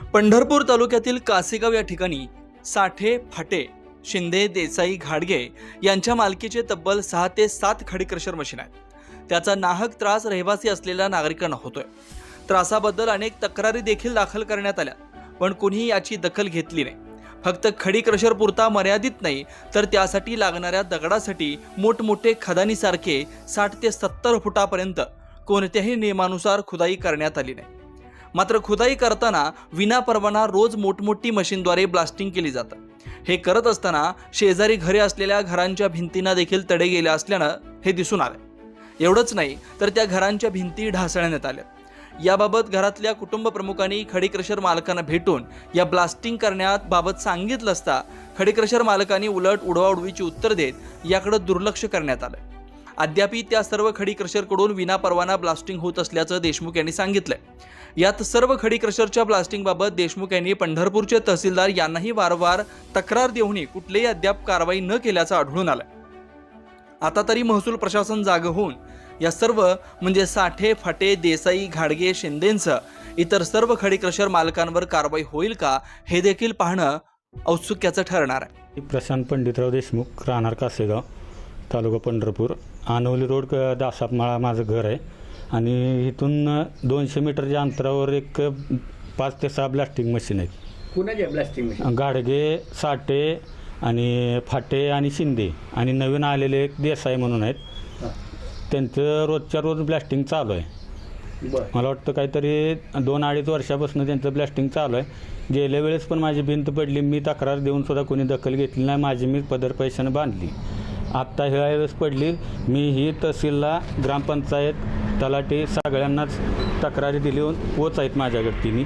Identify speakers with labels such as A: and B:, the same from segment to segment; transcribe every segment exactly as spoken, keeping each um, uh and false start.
A: पंढरपूर तालुक्यातील कासेगाव या ठिकाणी साठे, फाटे, शिंदे, देसाई, घाडगे यांच्या मालकीचे तब्बल सहा ते सात खडी क्रशर मशीन आहेत. त्याचा नाहक त्रास रहिवासी असलेल्या नागरिकांना होतोय. त्रासाबद्दल अनेक तक्रारी देखील दाखल करण्यात आल्या, पण कुणीही याची दखल घेतली नाही. फक्त खडी क्रशर पुरता मर्यादित नाही, तर त्यासाठी लागणाऱ्या दगडासाठी मोठमोठे खदानीसारखे साठ ते सत्तर फुटापर्यंत कोणत्याही नियमानुसार खुदाई करण्यात आली नाही. मात्र खुदाई करताना विनापरवाना रोज मोठमोठी मशीनद्वारे ब्लास्टिंग केली जातं. हे करत असताना शेजारी घरे असलेल्या घरांच्या भिंतींना देखील तडे गेले असल्यानं हे दिसून आलं. एवढंच नाही, तर त्या घरांच्या भिंती ढासळण्यात आल्या. याबाबत घरातल्या कुटुंब प्रमुखांनी खडी क्रशर मालकांना भेटून या ब्लास्टिंग करण्यात बाबत सांगितलं असता खडी क्रशर मालकांनी उलट उडवाउडवीची उत्तर देत याकडे दुर्लक्ष करण्यात आलं. अद्यापी त्या सर्व खडी क्रशरकडून विनापरवाना ब्लास्टिंग होत असल्याचं देशमुख यांनी सांगितलंय. यात सर्व खडी क्रशरच्या ब्लास्टिंगबाबत देशमुख यांनी पंढरपूरचे तहसीलदार यांनाही वारंवार तक्रार देऊनही कुठलेही अद्याप कारवाई न केल्याचं आढळून आलं. आता तरी महसूल प्रशासन जागं होऊन या सर्व म्हणजे साठे, फाटे, देसाई, घाडगे, शिंदेंसह इतर सर्व खडी क्रशर मालकांवर कारवाई होईल का हे देखील पाहणं औत्सुक्याचं ठरणार आहे.
B: प्रशांत पंडितराव देशमुख, राहणार कासेगाव, तालुका पंढरपूर. आनवली रोड, दासापमाळा माझं घर आहे आणि इथून दोनशे मीटरच्या अंतरावर एक पाच ते सहा ब्लास्टिंग मशीन आहेत.
C: कुणाचे ब्लास्टिंग मशीन?
B: गाडगे, साठे आणि फाटे आणि शिंदे आणि नवीन आलेले एक देसाई म्हणून आहेत. त्यांचं रोजच्या रोज ब्लास्टिंग चालू आहे. मला वाटतं काहीतरी दोन अडीच वर्षापासून त्यांचं ब्लास्टिंग चालू आहे. गेल्या वेळेस पण माझी भिंत पडली, मी तक्रार देऊन सुद्धा कोणी दखल घेतली नाही. माझी मी पदर पैशानं बांधली. आत्ता ह्या वेळेस पडली. मी ही तहसीलला, ग्रामपंचायत, तलाठी सगळ्यांनाच तक्रारी दिली. पोच आहेत माझ्याकडे, तिन्ही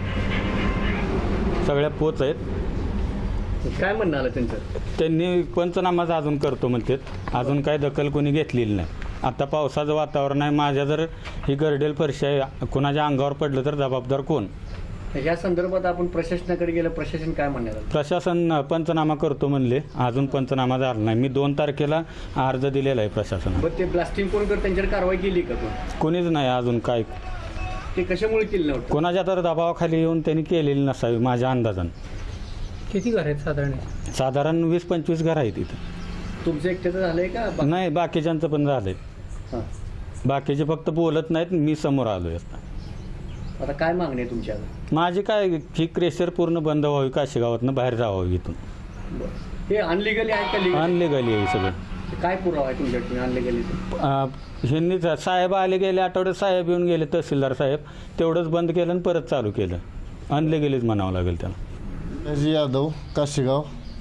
B: सगळ्या पोच आहेत.
C: काय म्हणणं आलं त्यांचं?
B: त्यांनी पंचनामाच अजून करतो म्हणतात. अजून काय दखल कोणी घेतलेली नाही. आता पावसाचं वातावरण आहे. माझ्या जर ही गर्डेल फरशी आहे, कोणाच्या अंगावर पडलं तर जबाबदार कोण?
C: या संदर्भात आपण प्रशासनाकडे गेलं, प्रशासन काय म्हणणार?
B: प्रशासन पंचनामा करतो म्हणले, अजून पंचनामा झाला नाही. मी दोन तारखेला अर्ज दिलेला आहे प्रशासनाला.
C: ते ब्लास्टिंग कोण करत त्यांच्यावर कारवाई केली का?
B: कोणीच नाही अजून. काय
C: ते कशामुळे केलं नव्हतं?
B: कोणाच्या तर दबावाखाली येऊन त्यांनी केलेली नसावी माझ्या अंदाजानं.
C: किती घर आहेत साधारण?
B: साधारण वीस पंचवीस घर आहेत इथं.
C: तुमचं एकट्याचं झालंय का?
B: नाही, बाकीच्यांचं पण झालंय. बाकीचे फक्त बोलत नाहीत, मी समोर आलोय.
C: आता काय मागणी आहे तुमच्या?
B: माझी काय की क्रशर पूर्ण बंद व्हावी, काशेगावातनं बाहेर जावं इथून.
C: हे अनलिगली आहे का लिगल?
B: अनलिगली आहे सगळं.
C: काय पुरावा आहे तुमच्याकडे अनलिगली?
B: ह्यांनी साहेब आले, गेले आठवड्यात साहेब येऊन गेले, तहसीलदार साहेब. तेवढंच बंद केलं आणि परत चालू केलं. अनलिगलीच म्हणावं लागेल त्याला.
D: जी यादव, काशेगाव.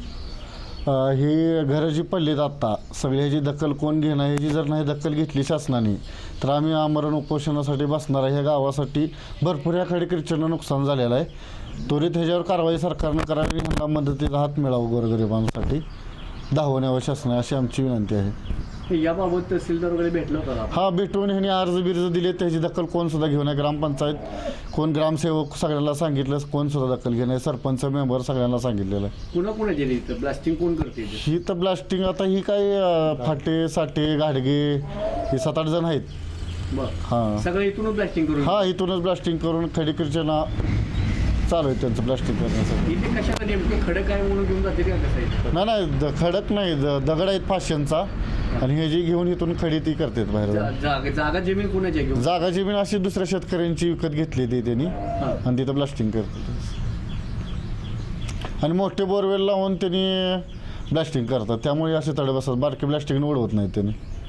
D: ही घरं जी पडलीत आत्ता, सगळी ह्याची दखल कोण घेणार? ह्याची जर नाही दखल घेतली शासनाने तर आम्ही आमरण उपोषणासाठी बसणार आहे. ह्या गावासाठी भरपूर या खडी क्रशरनं नुकसान झालेलं आहे. त्वरित ह्याच्यावर कारवाई सरकारनं करावी, ह्यांना मदतीचा हात मिळावा गोरगरिबांसाठी धावण्यावर शासनाने, अशी आमची विनंती आहे.
C: याबाबत तहसीलदार वगैरे भेटलं होतं?
D: हा, भेटून ह्यांनी अर्ज बिर्ज दिले, त्याची दखल कोण सुद्धा घेऊ नये. ग्रामपंचायत कोण, ग्रामसेवक सगळ्यांना सांगितलं, कोण सुद्धा दखल घेणे. सरपंच, मेंबर सगळ्यांना सांगितलेलं आहे.
C: पुन्हा कोणा दिली ब्लास्टिंग कोण करते?
D: ही तर ब्लास्टिंग आता ही काय फाटे, साठे, घाडगे हे सात आठ जण आहेत.
C: हां, सगळं इथूनच ब्लास्टिंग करून?
D: हा, इथूनच ब्लास्टिंग करून खडी क्रशरना चालू आहे त्यांचं ब्लास्टिंग करण्यासाठी.
C: इथे कशाला नेमकं खडक आहे म्हणून घेऊन जाते का? कसं आहे?
D: नाही नाही, खडक नाही, दगड आहेत पाचशेंचा आणि हे जी घेऊन इथून खडी ती करतात बाहेर.
C: जागा जमीन कोणाची घेऊन?
D: जागा जमीन अशी दुसऱ्या शेतकऱ्यांची विकत घेतली ती त्यांनी आणि तिथं ब्लास्टिंग करतात. आणि मोठे बोरवेल लावून त्यांनी ब्लास्टिंग करतात, त्यामुळे असे तडे बसतात. बारके ब्लास्टिंग उडवत नाहीत त्यांनी.